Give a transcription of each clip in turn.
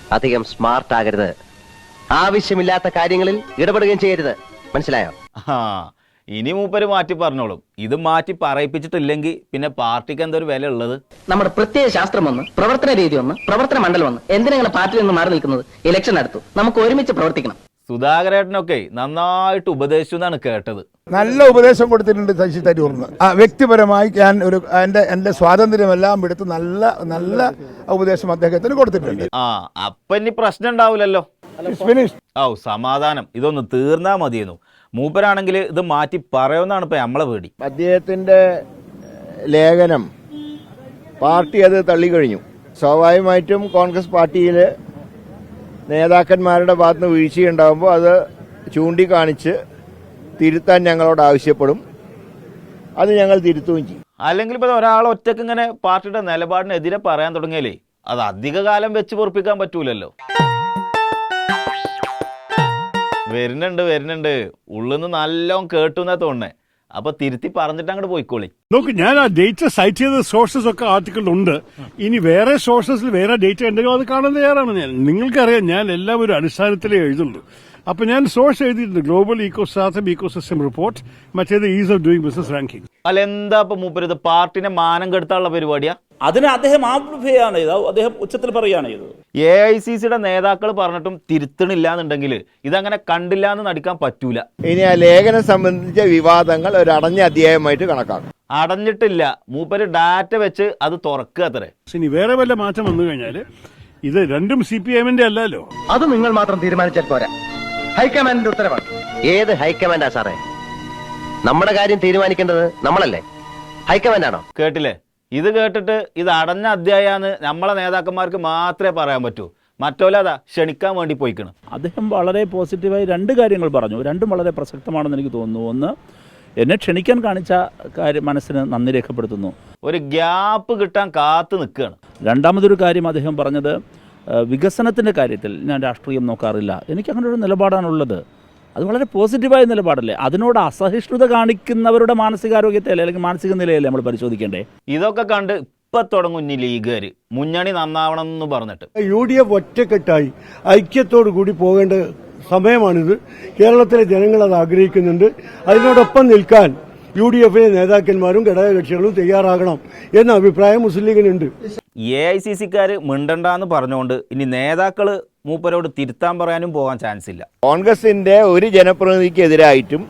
അധികം സ്മാർട്ട് ആകരുത്, ആവശ്യമില്ലാത്ത കാര്യങ്ങളിൽ ഇടപെടുകയും ചെയ്യരുത്. മനസ്സിലായോ? ഇനി മൂപ്പര് മാറ്റി പറഞ്ഞോളും. ഇത് മാറ്റി പറയിപ്പിച്ചിട്ടില്ലെങ്കിൽ പിന്നെ പാർട്ടിക്ക് എന്തൊരു വില ഉള്ളത്? നമ്മുടെ പ്രത്യേക ശാസ്ത്രം ഒന്ന്, പ്രവർത്തന രീതി ഒന്ന്, പ്രവർത്തന മണ്ഡലം ഒന്ന്. എന്തിനാണ് പാർട്ടിയിൽ നിന്ന് മാറി നിൽക്കുന്നത്? ഇലക്ഷൻ അടുത്തു, നമുക്ക് ഒരുമിച്ച് പ്രവർത്തിക്കണം. സുധാകരേട്ടനൊക്കെ നന്നായിട്ട് ഉപദേശിച്ചു എന്നാണ് കേട്ടത്. നല്ല ഉപദേശം കൊടുത്തിട്ടുണ്ട് ശശി തരൂറിന്. വ്യക്തിപരമായി ഞാൻ എന്റെ സ്വാതന്ത്ര്യമെല്ലാം എടുത്ത് നല്ല നല്ല ഉപദേശം അദ്ദേഹത്തിന് കൊടുത്തിട്ടുണ്ട്. അപ്പൊ ഇനി പ്രശ്നം ഉണ്ടാവില്ലല്ലോ. സമാധാനം. ഇതൊന്ന് തീർന്നാ മതിയെന്നു. മൂപ്പരാണെങ്കിൽ ഇത് മാറ്റി പറയുമെന്നാണ് ഇപ്പൊ നമ്മളെ പേടി. അദ്ദേഹത്തിന്റെ ലേഖനം പാർട്ടി അത് തള്ളിക്കഴിഞ്ഞു. സ്വാഭാവികമായിട്ടും കോൺഗ്രസ് പാർട്ടിയിൽ നേതാക്കന്മാരുടെ ഭാഗത്തുനിന്ന് വീഴ്ചയുണ്ടാകുമ്പോൾ അത് ചൂണ്ടിക്കാണിച്ച് തിരുത്താൻ ഞങ്ങളോട് ആവശ്യപ്പെടും. അത് ഞങ്ങൾ തിരുത്തുകയും ചെയ്യും. അല്ലെങ്കിൽ ഇപ്പൊ ഒരാൾ ഒറ്റക്ക് ഇങ്ങനെ പാർട്ടിയുടെ നിലപാടിനെതിരെ പറയാൻ തുടങ്ങിയാലേ അത് അധിക കാലം വെച്ച് പൊറപ്പിക്കാൻ പറ്റൂലല്ലോ. വരുന്നുണ്ട് ഉള്ളിന്ന് നല്ലോണം കേട്ടു എന്നാ തോന്നേ. അപ്പൊ തിരുത്തി പറഞ്ഞിട്ട് അങ്ങോട്ട് പോയിക്കോളി. നോക്ക്, ഞാൻ ആ ഡേറ്റ സൈറ്റ് ചെയ്ത സോഴ്സസ് ഒക്കെ ആർട്ടിക്കിളുണ്ട്. ഇനി വേറെ സോഴ്സസിൽ വേറെ ഡേറ്റ ഉണ്ടെങ്കിൽ അത് കാണാൻ തയ്യാറാണ് ഞാൻ. നിങ്ങൾക്കറിയാം, ഞാൻ എല്ലാം ഒരു അടിസ്ഥാനത്തിലേ എഴുതുള്ളൂ. അപ്പൊ ഞാൻ സോഴ്സ് എഴുതിയിട്ടുണ്ട്. ഗ്ലോബൽ ഇക്കോസിസ്റ്റം റിപ്പോർട്ട്, മറ്റേത് ease of doing business ranking. അല്ല, എന്താ ഇപ്പൊ മൂപ്പര് പാർട്ടിനെ മാനം കെടുത്താനുള്ള പരിപാടിയാ? അതിന് അദ്ദേഹം ആംപ്ലിഫൈ ആണ് ചെയ്തത്, അദ്ദേഹം ഉച്ചത്തിൽ പറയുകയാണ് ചെയ്തത്. AICCയുടെ നേതാക്കൾ പറഞ്ഞിട്ടും തിരുത്തണില്ല എന്നുണ്ടെങ്കിൽ ഇതങ്ങനെ കണ്ടില്ല എന്ന് നടിക്കാൻ പറ്റൂല. ഇനി ആ ലേഖനം സംബന്ധിച്ച വിവാദങ്ങൾ ഒരു അടഞ്ഞ അധ്യായമായിട്ട് കണക്കാക്കും. അടഞ്ഞിട്ടില്ല, മൂപ്പര് ഡാറ്റ വെച്ച് അത് തുറക്കുക അത്രേ. ഇനി വേറെ വല്ല മാറ്റം വന്നു കഴിഞ്ഞാല് ഇത് രണ്ടും CPM-ന്റെ അല്ലല്ലോ. അത് നിങ്ങൾ മാത്രം തീരുമാനിച്ചാൽ പോരാ, ഹൈക്കമാൻഡിന്റെ ഉത്തരവാണ്. ഏത് ഹൈക്കമാൻഡാ സാറേ? നമ്മുടെ കാര്യം തീരുമാനിക്കേണ്ടത് നമ്മളല്ലേ, ഹൈക്കമാൻഡാണോ? കേട്ടില്ലേ? ഇത് കേട്ടിട്ട് ഇത് അടഞ്ഞ അധ്യായാന്ന് നമ്മളെ നേതാക്കന്മാർക്ക് മാത്രമേ പറയാൻ പറ്റൂ. മറ്റോലതാ ക്ഷണിക്കാൻ വേണ്ടി പോയിക്കണം. അദ്ദേഹം വളരെ പോസിറ്റീവായി രണ്ട് കാര്യങ്ങൾ പറഞ്ഞു. രണ്ടും വളരെ പ്രസക്തമാണെന്ന് എനിക്ക് തോന്നുന്നു. ഒന്ന്, എന്നെ ക്ഷണിക്കാൻ കാണിച്ച കാര്യം മനസ്സിന് നന്ദി രേഖപ്പെടുത്തുന്നു. ഒരു ഗ്യാപ്പ് കിട്ടാൻ കാത്തു നിൽക്കുകയാണ്. രണ്ടാമതൊരു കാര്യം അദ്ദേഹം പറഞ്ഞത്, വികസനത്തിൻ്റെ കാര്യത്തിൽ ഞാൻ രാഷ്ട്രീയം നോക്കാറില്ല. എനിക്ക് അങ്ങനെ ഒരു നിലപാടാണുള്ളത്. അത് വളരെ പോസിറ്റീവായ നിലപാടല്ലേ? അതിനോട് അസഹിഷ്ണുത കാണിക്കുന്നവരുടെ മാനസികാരോഗ്യത്തെ അല്ലെങ്കിൽ മാനസിക നിലയല്ലേ നമ്മൾ പരിശോധിക്കേണ്ടേ? ഇതൊക്കെ കണ്ട് ഇപ്പൊ തുടങ്ങും ലീഗുകാർ മുന്നണി നന്നാവണം എന്ന് പറഞ്ഞിട്ട്. UDF ഒറ്റക്കെട്ടായി ഐക്യത്തോടു കൂടി പോകേണ്ട സമയമാണിത്. കേരളത്തിലെ ജനങ്ങൾ അത് ആഗ്രഹിക്കുന്നുണ്ട്. അതിനോടൊപ്പം നിൽക്കാൻ UDF-ലെ നേതാക്കന്മാരും ഘടകകക്ഷികളും തയ്യാറാകണം എന്ന അഭിപ്രായം മുസ്ലിം ലീഗിനുണ്ട്. AICC-ക്കാർ മിണ്ടണ്ടെന്ന് പറഞ്ഞുകൊണ്ട് ഇനി നേതാക്കള് മൂപ്പരോട് തിരുത്താൻ പറയാനും പോകാൻ ചാൻസ് ഇല്ല. കോൺഗ്രസിന്റെ ഒരു ജനപ്രതിനിധിക്കെതിരായിട്ടും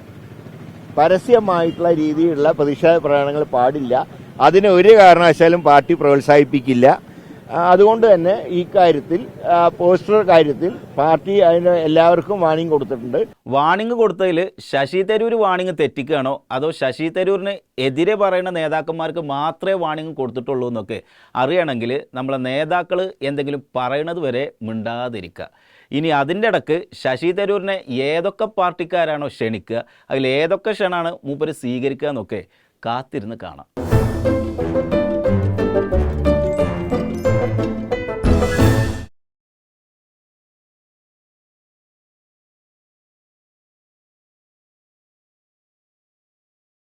പരസ്യമായിട്ടുള്ള രീതിയിലുള്ള പ്രതിഷേധ പ്രകടനങ്ങൾ പാടില്ല. അതിന് ഒരു കാരണവശാലും പാർട്ടി പ്രോത്സാഹിപ്പിക്കില്ല. അതുകൊണ്ട് തന്നെ ഈ കാര്യത്തിൽ, പോസ്റ്റർ കാര്യത്തിൽ പാർട്ടി അതിന് എല്ലാവർക്കും വാണിംഗ് കൊടുത്തിട്ടുണ്ട്. വാണിംഗ് കൊടുത്തതിൽ ശശി തരൂർ വാണിംഗ് തെറ്റിക്കുകയാണോ അതോ ശശി തരൂരിന് എതിരെ പറയുന്ന നേതാക്കന്മാർക്ക് മാത്രമേ വാണിംഗ് കൊടുത്തിട്ടുള്ളൂ എന്നൊക്കെ അറിയണമെങ്കിൽ നമ്മളെ നേതാക്കൾ എന്തെങ്കിലും പറയണത് വരെ മിണ്ടാതിരിക്കുക. ഇനി അതിൻ്റെ ഇടക്ക് ശശി തരൂരിനെ ഏതൊക്കെ പാർട്ടിക്കാരാണോ ക്ഷണിക്കുക, അതിൽ ഏതൊക്കെ ക്ഷണമാണ് മൂപ്പര് സ്വീകരിക്കുക എന്നൊക്കെ കാത്തിരുന്ന് കാണാം.